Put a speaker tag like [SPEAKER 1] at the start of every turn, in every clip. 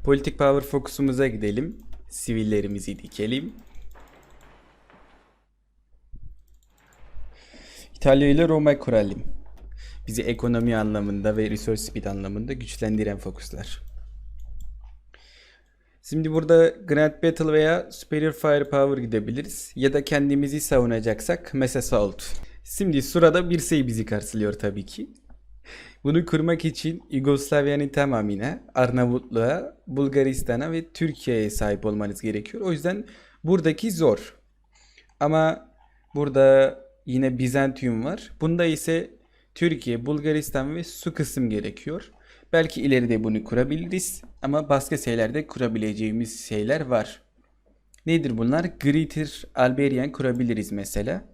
[SPEAKER 1] Politik power fokusumuza gidelim. Sivillerimizi dikelim. İtalya ile Roma kuralım. Bizi ekonomi anlamında ve resource speed anlamında güçlendiren fokuslar. Şimdi burada Grand Battle veya Superior Firepower gidebiliriz. Ya da kendimizi savunacaksak Mass Assault. Şimdi sırada bir şey bizi karşılıyor tabii ki. Bunu kurmak için Yugoslavya'nın tamamına, Arnavutluğa, Bulgaristan'a ve Türkiye'ye sahip olmanız gerekiyor. O yüzden buradaki zor. Ama burada yine Bizantium var. Bunda ise Türkiye, Bulgaristan ve su kısım gerekiyor. Belki ileride bunu kurabiliriz. Ama başka şeylerde kurabileceğimiz şeyler var. Nedir bunlar? Greater Albanian kurabiliriz mesela.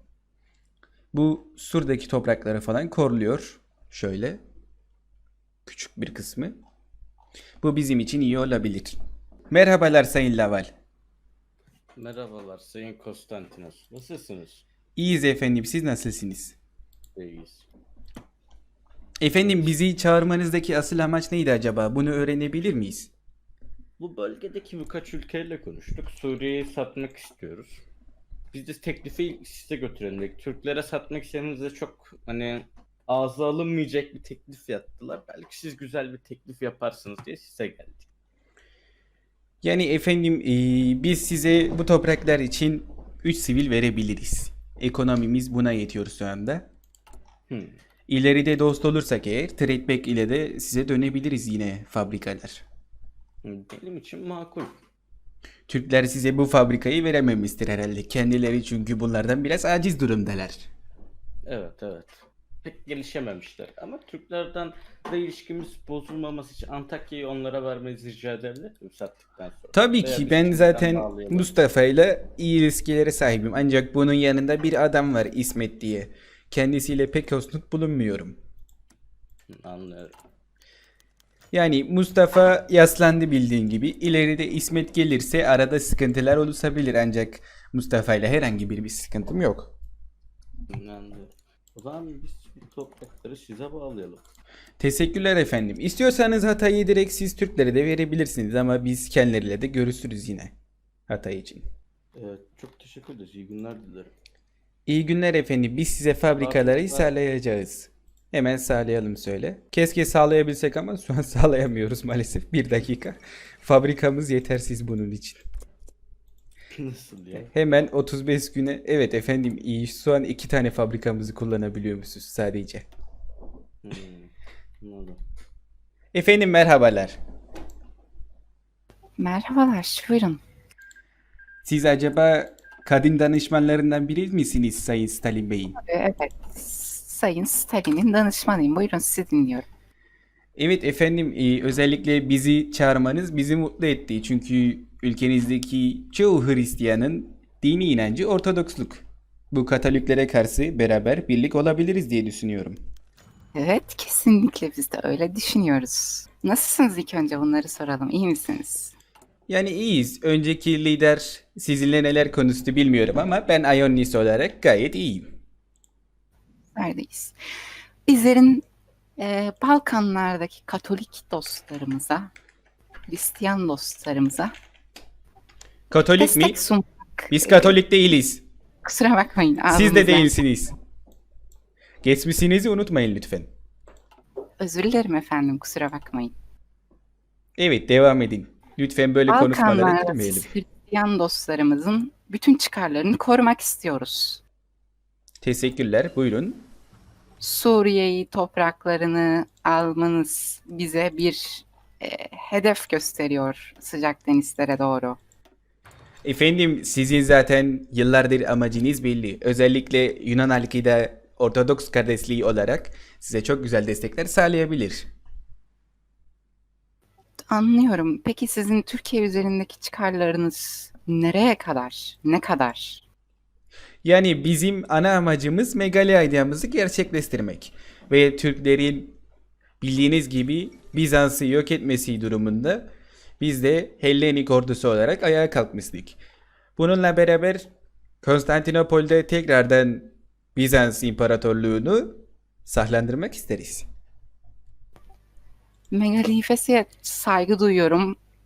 [SPEAKER 1] Bu Sur'daki toprakları falan korluyor. Şöyle. Küçük bir kısmı. Bu bizim için iyi olabilir. Merhabalar Sayın Laval.
[SPEAKER 2] Merhabalar Sayın Konstantinos. Nasılsınız?
[SPEAKER 1] İyiyiz efendim. Siz nasılsınız?
[SPEAKER 2] İyiyiz.
[SPEAKER 1] Efendim bizi çağırmanızdaki asıl amaç neydi acaba? Bunu öğrenebilir miyiz?
[SPEAKER 2] Bu bölgedeki birkaç ülkeyle konuştuk. Suriye'yi satmak istiyoruz. Biz de teklifi size götürelim dedik. Türklere satmak istediğinizde çok ağza alınmayacak bir teklif yaptılar. Belki siz güzel bir teklif yaparsınız diye size geldik.
[SPEAKER 1] Yani efendim biz size bu topraklar için 3 sivil verebiliriz. Ekonomimiz buna yetiyor şu anda.
[SPEAKER 2] Hmm.
[SPEAKER 1] İleride dost olursak eğer tradeback ile de size dönebiliriz yine fabrikalar.
[SPEAKER 2] Benim için makul.
[SPEAKER 1] Türkler size bu fabrikayı verememiştir herhalde. Kendileri çünkü bunlardan biraz aciz durumdalar.
[SPEAKER 2] Evet. Pek gelişememişler. Ama Türklerden de ilişkimiz bozulmaması için Antakya'yı onlara vermenizi rica edebilir miyim sattıktan sonra?
[SPEAKER 1] Tabii
[SPEAKER 2] Veya
[SPEAKER 1] ki
[SPEAKER 2] biz
[SPEAKER 1] ben
[SPEAKER 2] şimdiden
[SPEAKER 1] zaten
[SPEAKER 2] bağlayalım.
[SPEAKER 1] Mustafa ile iyi ilişkilere sahibim. Ancak bunun yanında bir adam var İsmet diye. Kendisiyle pek hoşnut bulunmuyorum.
[SPEAKER 2] Anlıyorum.
[SPEAKER 1] Yani Mustafa yaslandı bildiğin gibi. İleride İsmet gelirse arada sıkıntılar oluşabilir ancak Mustafa ile herhangi bir sıkıntım yok.
[SPEAKER 2] Anlıyorum. O zaman biz bu toprakları size bağlayalım.
[SPEAKER 1] Teşekkürler efendim. İstiyorsanız Hatay'ı direkt siz Türklere de verebilirsiniz ama biz kendileriyle de görüşürüz yine Hatay için.
[SPEAKER 2] Evet, çok teşekkür ederiz. İyi günler dilerim.
[SPEAKER 1] İyi günler efendim. Biz size fabrikaları sağlayacağız. Hemen sağlayalım söyle. Keşke sağlayabilsek ama şu an sağlayamıyoruz maalesef. Bir dakika. Fabrikamız yetersiz bunun için.
[SPEAKER 2] Nasıl ya?
[SPEAKER 1] Hemen 35 güne. Evet efendim iyi. Şu an 2 tane fabrikamızı kullanabiliyormuşuz sadece.
[SPEAKER 2] Anladım.
[SPEAKER 1] Efendim merhabalar.
[SPEAKER 3] Merhabalar, buyurun.
[SPEAKER 1] Siz acaba kadın danışmanlarından biri misiniz Sayın Stalin Bey'in?
[SPEAKER 3] Evet, Sayın Stalin'in danışmanıyım. Buyurun, sizi dinliyorum.
[SPEAKER 1] Evet efendim özellikle bizi çağırmanız bizi mutlu etti. Çünkü ülkenizdeki çoğu Hristiyanın dini inancı Ortodoksluk. Bu Katoliklere karşı beraber birlik olabiliriz diye düşünüyorum.
[SPEAKER 3] Evet, kesinlikle biz de öyle düşünüyoruz. Nasılsınız ilk önce bunları soralım. İyi misiniz?
[SPEAKER 1] Yani iyiyiz. Önceki lider sizinle neler konuştu bilmiyorum ama ben Ionis olarak gayet iyiyim.
[SPEAKER 3] Neredeyiz? Bizlerin Balkanlardaki Katolik dostlarımıza, Hristiyan dostlarımıza
[SPEAKER 1] Katolik mi?
[SPEAKER 3] destek sunmak.
[SPEAKER 1] Biz Katolik değiliz.
[SPEAKER 3] Kusura bakmayın.
[SPEAKER 1] Siz de
[SPEAKER 3] ağzımızdan-
[SPEAKER 1] değilsiniz. Geçmişinizi unutmayın lütfen.
[SPEAKER 3] Özür dilerim efendim, kusura bakmayın.
[SPEAKER 1] Evet devam edin. Lütfen böyle konuşmalara
[SPEAKER 3] Balkanlardaki
[SPEAKER 1] girmeyelim.
[SPEAKER 3] Hristiyan dostlarımızın bütün çıkarlarını korumak istiyoruz.
[SPEAKER 1] Teşekkürler. Buyurun.
[SPEAKER 3] Suriye'yi topraklarını almanız bize bir hedef gösteriyor sıcak denizlere doğru.
[SPEAKER 1] Efendim sizin zaten yıllardır amacınız belli. Özellikle Yunan halkı da Ortodoks kardeşliği olarak size çok güzel destekler sağlayabilir.
[SPEAKER 3] Anlıyorum. Peki sizin Türkiye üzerindeki çıkarlarınız nereye kadar? Ne kadar?
[SPEAKER 1] Yani bizim ana amacımız Megali ideyamızı gerçekleştirmek. Ve Türklerin bildiğiniz gibi Bizans'ı yok etmesi durumunda biz de Hellenik ordusu olarak ayağa kalkmıştık. Bununla beraber Konstantinopol'de tekrardan Bizans İmparatorluğunu sahlandırmak isteriz.
[SPEAKER 3] Megalifes'e saygı duyuyorum.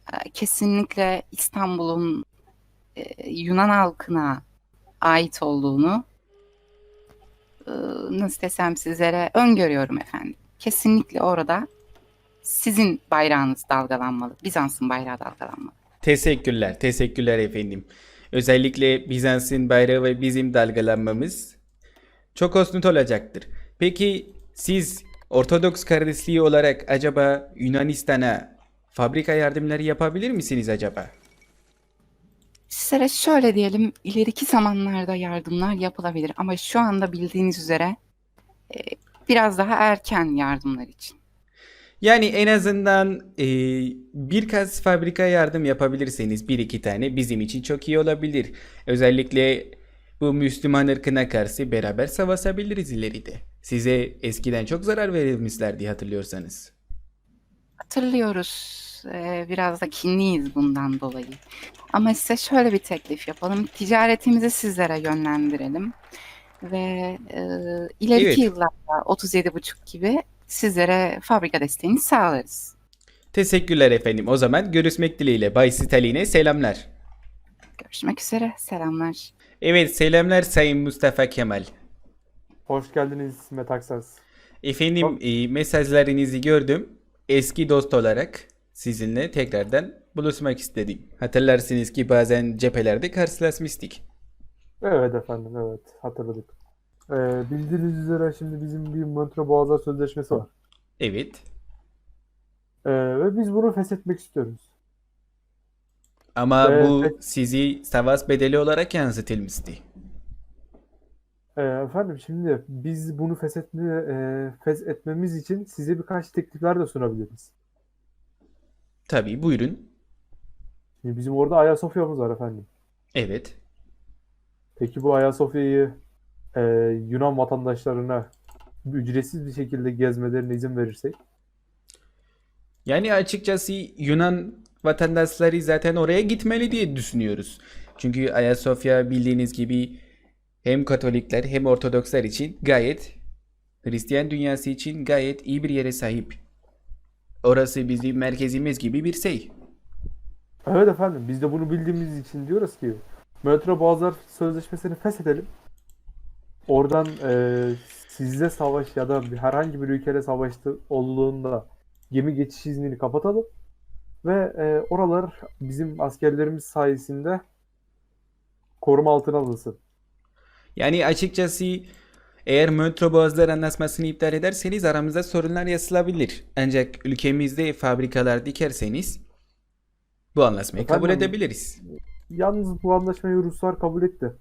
[SPEAKER 3] kesinlikle İstanbul'un Yunan halkına ait olduğunu e, nasıl desem sizlere öngörüyorum efendim. Kesinlikle orada sizin bayrağınız dalgalanmalı. Bizans'ın bayrağı dalgalanmalı.
[SPEAKER 1] Teşekkürler, teşekkürler efendim. Özellikle Bizans'ın bayrağı ve bizim dalgalanmamız çok hoşnut olacaktır. Peki siz Ortodoks kardeşliği olarak acaba Yunanistan'a fabrika yardımları yapabilir misiniz acaba?
[SPEAKER 3] Sizlere şöyle diyelim, ileriki zamanlarda yardımlar yapılabilir ama şu anda bildiğiniz üzere e, biraz daha erken yardımlar için.
[SPEAKER 1] Yani en azından birkaç fabrika yardım yapabilirseniz bir iki tane bizim için çok iyi olabilir. Özellikle bu Müslüman ırkına karşı beraber savaşabiliriz ileride. Size eskiden çok zarar verilmişlerdi hatırlıyorsanız.
[SPEAKER 3] Hatırlıyoruz, biraz da kinliyiz bundan dolayı. Ama size şöyle bir teklif yapalım. Ticaretimizi sizlere yönlendirelim. Ve ileriki
[SPEAKER 1] Evet,
[SPEAKER 3] yıllarda 37,5 gibi sizlere fabrika desteğini sağlarız.
[SPEAKER 1] teşekkürler efendim. O zaman görüşmek dileğiyle. Bay Stalin'e selamlar.
[SPEAKER 3] Görüşmek üzere. Selamlar.
[SPEAKER 1] Evet, selamlar Sayın Mustafa Kemal.
[SPEAKER 4] Hoş geldiniz Metaksas.
[SPEAKER 1] Efendim, mesajlarınızı gördüm. Eski dost olarak sizinle tekrardan buluşmak istedim. Hatırlarsınız ki bazen cephelerde karşılaşmıştık.
[SPEAKER 4] Evet efendim, evet hatırladık. Bildiğiniz üzere şimdi bizim bir Montreux Boğazlar Sözleşmesi var.
[SPEAKER 1] Evet.
[SPEAKER 4] Ve biz bunu feshetmek istiyoruz.
[SPEAKER 1] Ama
[SPEAKER 4] Ve
[SPEAKER 1] bu sizi savaş bedeli olarak yansıtılmıştı.
[SPEAKER 4] efendim şimdi biz bunu feshetmemiz için size birkaç teklifler de sunabiliriz.
[SPEAKER 1] Tabii, buyurun.
[SPEAKER 4] Şimdi bizim orada Ayasofya'mız var efendim.
[SPEAKER 1] Evet.
[SPEAKER 4] Peki bu Ayasofya'yı e, Yunan vatandaşlarına ücretsiz bir şekilde gezmelerine izin verirsek?
[SPEAKER 1] Yani açıkçası Yunan vatandaşları zaten oraya gitmeli diye düşünüyoruz. Çünkü Ayasofya bildiğiniz gibi hem Katolikler hem Ortodokslar için gayet, Hristiyan dünyası için gayet iyi bir yere sahip. Orası bizim merkezimiz gibi bir şey.
[SPEAKER 4] Evet efendim, biz de bunu bildiğimiz için diyoruz ki Montreux Boğazlar Sözleşmesi'ni feshedelim. Oradan sizle savaş ya da herhangi bir ülkeyle savaştı olduğunda gemi geçiş iznini kapatalım ve oralar bizim askerlerimiz sayesinde koruma altına alınsın.
[SPEAKER 1] Yani açıkçası eğer Montreux Boğazlar Anlaşması'nı iptal ederseniz aramızda sorunlar yaşanabilir. Ancak ülkemizde fabrikalar dikerseniz bu anlaşmayı kabul
[SPEAKER 4] Efendim,
[SPEAKER 1] edebiliriz.
[SPEAKER 4] yalnız bu anlaşmayı Ruslar kabul etti.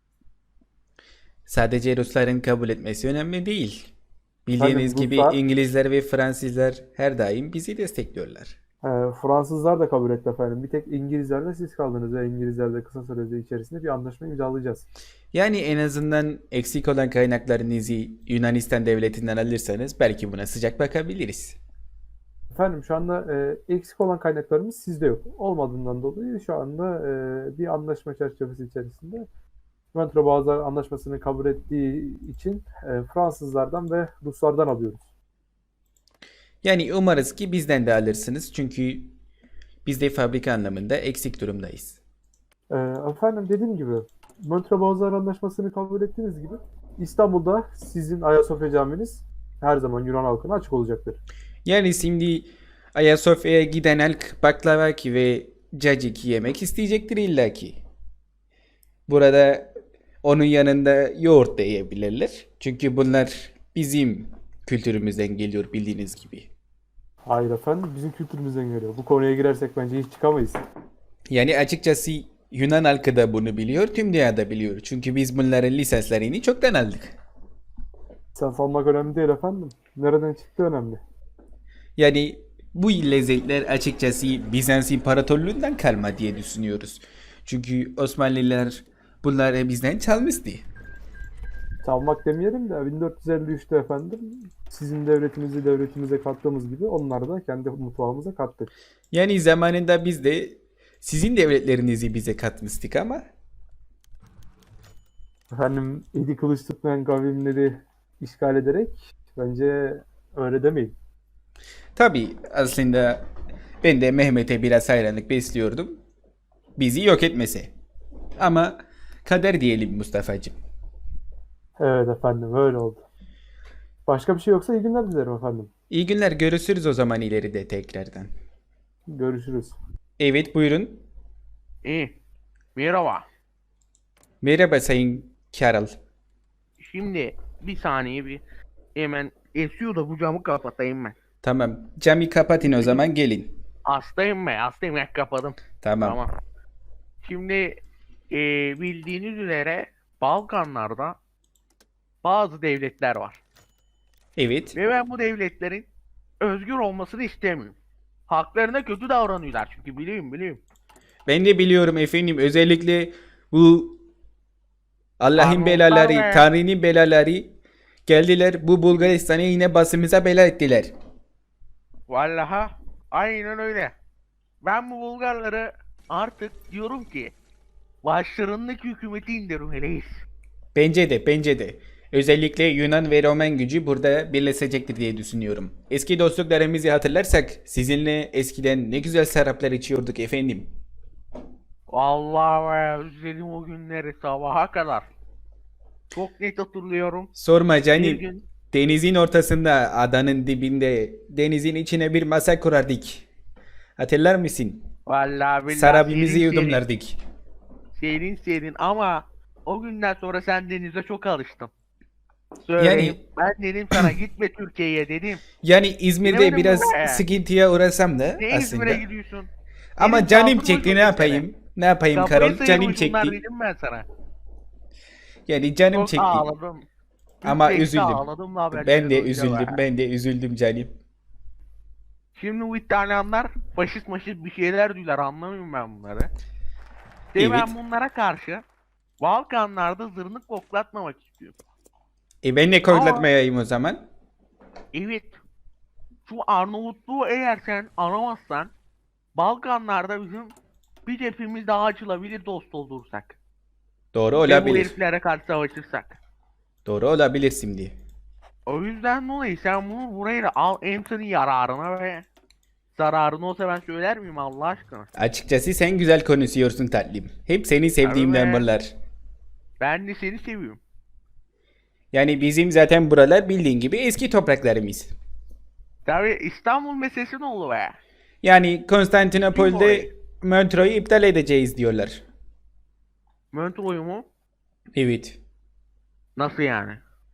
[SPEAKER 1] Sadece Rusların kabul etmesi önemli değil. Bildiğiniz
[SPEAKER 4] Efendim
[SPEAKER 1] gibi
[SPEAKER 4] Ruslar,
[SPEAKER 1] İngilizler ve Fransızlar her daim bizi destekliyorlar.
[SPEAKER 4] Fransızlar da kabul etti efendim. Bir tek İngilizlerle siz kaldınız ve İngilizlerle kısa sürede içerisinde bir anlaşma imzalayacağız.
[SPEAKER 1] Yani en azından eksik olan kaynaklarınızı Yunanistan devletinden alırsanız belki buna sıcak bakabiliriz.
[SPEAKER 4] Efendim şu anda eksik olan kaynaklarımız sizde yok. Olmadığından dolayı şu anda bir anlaşma çerçevesi içerisinde Montreux Boğazlar Anlaşması'nı kabul ettiği için Fransızlardan ve Ruslardan alıyoruz.
[SPEAKER 1] Yani umarız ki bizden de alırsınız çünkü biz de fabrika anlamında eksik durumdayız.
[SPEAKER 4] Efendim dediğim gibi Montreux Boğazlar Anlaşması'nı kabul ettiğiniz gibi İstanbul'da sizin Ayasofya Caminiz her zaman Yunan halkına açık olacaktır.
[SPEAKER 1] Yani şimdi Ayasofya'ya giden halk baklavaki ve caciki yemek isteyecektir illaki. Burada onun yanında yoğurt da yiyebilirler. Çünkü bunlar bizim kültürümüzden geliyor bildiğiniz gibi.
[SPEAKER 4] Hayır efendim bizim kültürümüzden geliyor. Bu konuya girersek bence hiç çıkamayız.
[SPEAKER 1] Yani açıkçası Yunan halkı da bunu biliyor, tüm dünyada biliyor. Çünkü biz bunların lisanslarını çoktan aldık.
[SPEAKER 4] Sen salmak önemli değil efendim. Nereden çıktı önemli.
[SPEAKER 1] Yani bu lezzetler açıkçası Bizans İmparatorluğundan kalma diye düşünüyoruz. Çünkü Osmanlılar bunları bizden çalmıştı.
[SPEAKER 4] Çalmak demeyelim de 1453'te efendim sizin devletinizi devletimize kattığımız gibi onları da kendi mutfağımıza kattık.
[SPEAKER 1] Yani zamanında biz de sizin devletlerinizi bize katmıştık ama
[SPEAKER 4] Efendim eli kılıç tutmayan kavimleri işgal ederek bence öyle demeyin.
[SPEAKER 1] tabii aslında Ben de Mehmet'e biraz hayranlık besliyordum. Bizi yok etmese. Ama kader diyelim Mustafa'cığım.
[SPEAKER 4] Evet efendim, öyle oldu. Başka bir şey yoksa iyi günler dilerim efendim.
[SPEAKER 1] İyi günler, görüşürüz o zaman ileride tekrardan.
[SPEAKER 4] Görüşürüz.
[SPEAKER 1] Evet, buyurun.
[SPEAKER 5] İyi. Merhaba.
[SPEAKER 1] Merhaba Sayın Carol.
[SPEAKER 5] Şimdi bir saniye bir hemen esiyor da bu camı kapatayım ben.
[SPEAKER 1] Tamam, camı kapatın o zaman, gelin.
[SPEAKER 5] Hastayım ben. Hastayım ben kapadım.
[SPEAKER 1] Tamam.
[SPEAKER 5] Tamam. Şimdi bildiğiniz üzere Balkanlarda bazı devletler var.
[SPEAKER 1] Evet.
[SPEAKER 5] Ve ben bu devletlerin özgür olmasını istemiyorum. Haklarına kötü davranıyorlar çünkü biliyorum.
[SPEAKER 1] Ben de biliyorum efendim, özellikle bu Allah'ın
[SPEAKER 5] Arnavutlar
[SPEAKER 1] belaları,
[SPEAKER 5] ve-
[SPEAKER 1] Tanrı'nın belaları geldiler bu Bulgaristan'a, yine basımıza bela ettiler.
[SPEAKER 5] Vallahi aynen öyle. Ben bu Bulgarları artık diyorum ki başlarındaki hükümeti indirmeliyiz.
[SPEAKER 1] Bence de. Özellikle Yunan ve Roman gücü burada birleşecektir diye düşünüyorum. Eski dostluklarımızı hatırlarsak sizinle eskiden ne güzel şaraplar içiyorduk efendim.
[SPEAKER 5] Vallahi be, özledim o günleri sabaha kadar. Çok net hatırlıyorum.
[SPEAKER 1] Sorma
[SPEAKER 5] Bir
[SPEAKER 1] canım.
[SPEAKER 5] gün
[SPEAKER 1] Denizin ortasında, adanın dibinde, denizin içine bir masa kurardık. Hatırlar mısın?
[SPEAKER 5] vallahi billahi
[SPEAKER 1] Sarabimizi
[SPEAKER 5] serin
[SPEAKER 1] yudumlardık.
[SPEAKER 5] serin ama o günden sonra sen denize çok alıştın. Söyleyeyim. Ben dedim sana gitme Türkiye'ye dedim.
[SPEAKER 1] Yani İzmir'de
[SPEAKER 5] Bilemedim
[SPEAKER 1] biraz
[SPEAKER 5] be.
[SPEAKER 1] sıkıntıya uğrasam da
[SPEAKER 5] Ne
[SPEAKER 1] aslında.
[SPEAKER 5] İzmir'e gidiyorsun?
[SPEAKER 1] Ama
[SPEAKER 5] Benim
[SPEAKER 1] canım
[SPEAKER 5] saldırma
[SPEAKER 1] çekti, ne
[SPEAKER 5] çok
[SPEAKER 1] yapayım? Ne yapayım
[SPEAKER 5] Kafayı
[SPEAKER 1] Karol? Canım
[SPEAKER 5] sıyırmış bunlar
[SPEAKER 1] çekti.
[SPEAKER 5] dedim ben sana.
[SPEAKER 1] Yani canım
[SPEAKER 5] Çok
[SPEAKER 1] çekti.
[SPEAKER 5] ağladım.
[SPEAKER 1] Ama
[SPEAKER 5] Türkiye'de
[SPEAKER 1] üzüldüm.
[SPEAKER 5] ağladım da
[SPEAKER 1] Ben de
[SPEAKER 5] haberleri
[SPEAKER 1] üzüldüm.
[SPEAKER 5] duyunca be.
[SPEAKER 1] Ben de üzüldüm canım.
[SPEAKER 5] Şimdi bu İtalyanlar faşist bir şeyler diyorlar, anlamıyorum ben bunları. Ve
[SPEAKER 1] Evet.
[SPEAKER 5] ben bunlara karşı Balkanlarda zırnık koklatmamak istiyorum.
[SPEAKER 1] Ben de koklatmayayım o zaman.
[SPEAKER 5] Evet. Şu Arnavutluğu eğer sen aramazsan Balkanlarda bizim bir cephemiz daha açılabilir dost olursak.
[SPEAKER 1] Doğru
[SPEAKER 5] Ve bu
[SPEAKER 1] olabilir.
[SPEAKER 5] heriflere karşı savaşırsak.
[SPEAKER 1] Doğru olabilir şimdi.
[SPEAKER 5] O yüzden dolayı sen bunu buraya da al, hem senin yararına ve zararına olsa ben söyler miyim Allah aşkına?
[SPEAKER 1] Açıkçası sen güzel konuşuyorsun tatlım. Hep seni sevdiğimden
[SPEAKER 5] be.
[SPEAKER 1] bunlar.
[SPEAKER 5] Ben de seni seviyorum.
[SPEAKER 1] Yani bizim zaten buralar bildiğin gibi eski topraklarımız.
[SPEAKER 5] Tabii İstanbul meselesi ne oldu be?
[SPEAKER 1] Yani Konstantinopol'de
[SPEAKER 5] Orayı.
[SPEAKER 1] metroyu iptal edeceğiz diyorlar.
[SPEAKER 5] Montreux'u mu?
[SPEAKER 1] Evet.
[SPEAKER 5] Nasıl yani?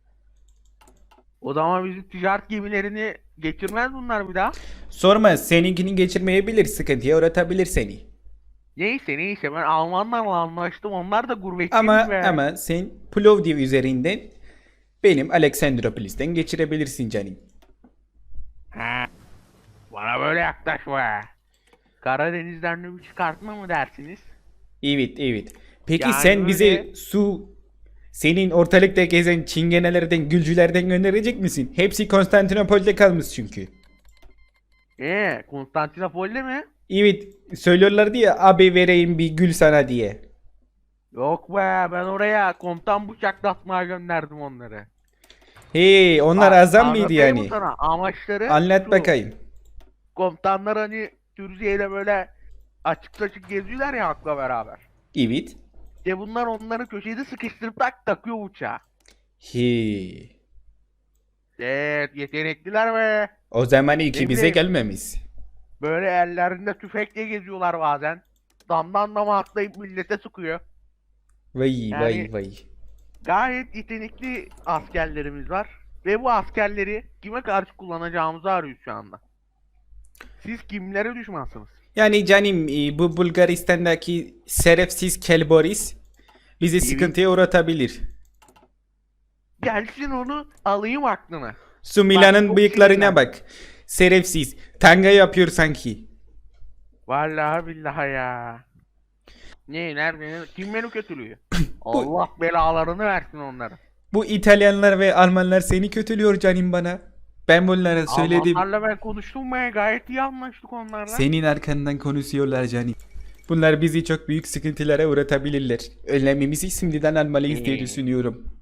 [SPEAKER 5] O zaman bizim ticaret gemilerini geçirmez bunlar bir daha.
[SPEAKER 1] Sorma, seninkini geçirmeyebilir, sıkıntıya uğratabilir seni.
[SPEAKER 5] Neyse ben Almanlarla anlaştım, onlar da gurbetçiymiş
[SPEAKER 1] Ama
[SPEAKER 5] be.
[SPEAKER 1] ama sen Plovdiv üzerinden benim Aleksandropolis'ten geçirebilirsin canım.
[SPEAKER 5] Ha, bana böyle yaklaşma. Karadeniz'den de bir çıkartma mı dersiniz?
[SPEAKER 1] Evet. Peki
[SPEAKER 5] Yani
[SPEAKER 1] sen bize
[SPEAKER 5] öyle-
[SPEAKER 1] su, senin ortalıkta gezen çingenelerden, gülcülerden gönderecek misin? Hepsi Konstantinopol'de kalmış çünkü.
[SPEAKER 5] Konstantinopol'de mi?
[SPEAKER 1] Evet, söylüyorlardı ya, abi vereyim bir gül sana diye.
[SPEAKER 5] Yok be, ben oraya komutan bıçaklatmaya gönderdim onları.
[SPEAKER 1] Hey, onlar azam mıydı
[SPEAKER 5] Anlatayım mı
[SPEAKER 1] yani?
[SPEAKER 5] sana? Amaçları
[SPEAKER 1] Anlat
[SPEAKER 5] şu,
[SPEAKER 1] bakayım.
[SPEAKER 5] komutanlar hani Türkiye'yle böyle açık geziyorlar ya halkla beraber.
[SPEAKER 1] Evet.
[SPEAKER 5] Bunlar onları köşede sıkıştırıp takıyor uçağa.
[SPEAKER 1] He.
[SPEAKER 5] Evet, yetenekliler be.
[SPEAKER 1] O zaman iki bize
[SPEAKER 5] bileyim.
[SPEAKER 1] gelmemiş.
[SPEAKER 5] Böyle ellerinde tüfekle geziyorlar bazen. Damdan dama atlayıp millete sıkıyor.
[SPEAKER 1] Vay
[SPEAKER 5] Yani-
[SPEAKER 1] vay.
[SPEAKER 5] Gayet yetenekli askerlerimiz var. Ve bu askerleri kime karşı kullanacağımızı arıyoruz şu anda. Siz kimlere düşmansınız?
[SPEAKER 1] Yani canım, bu Bulgaristan'daki şerefsiz Kelboris bizi
[SPEAKER 5] Evet.
[SPEAKER 1] sıkıntıya uğratabilir.
[SPEAKER 5] Gelsin onu alayım aklına.
[SPEAKER 1] Su Milan'ın
[SPEAKER 5] çok
[SPEAKER 1] bıyıklarına
[SPEAKER 5] sinirlendim.
[SPEAKER 1] bak. Şerefsiz. Tanga yapıyor sanki.
[SPEAKER 5] Vallahi billahi ya. Nerede? Kim beni kötülüyor? Allah belalarını versin onlara.
[SPEAKER 1] Bu İtalyanlar ve Almanlar seni kötülüyor canım bana. Ben bunlara söyledim.
[SPEAKER 5] Almanlarla ben konuştum be, gayet iyi anlaştık onlarla.
[SPEAKER 1] Senin arkandan konuşuyorlar canım. Bunlar bizi çok büyük sıkıntılara uğratabilirler. Önlemimizi şimdiden almalıyız diye düşünüyorum.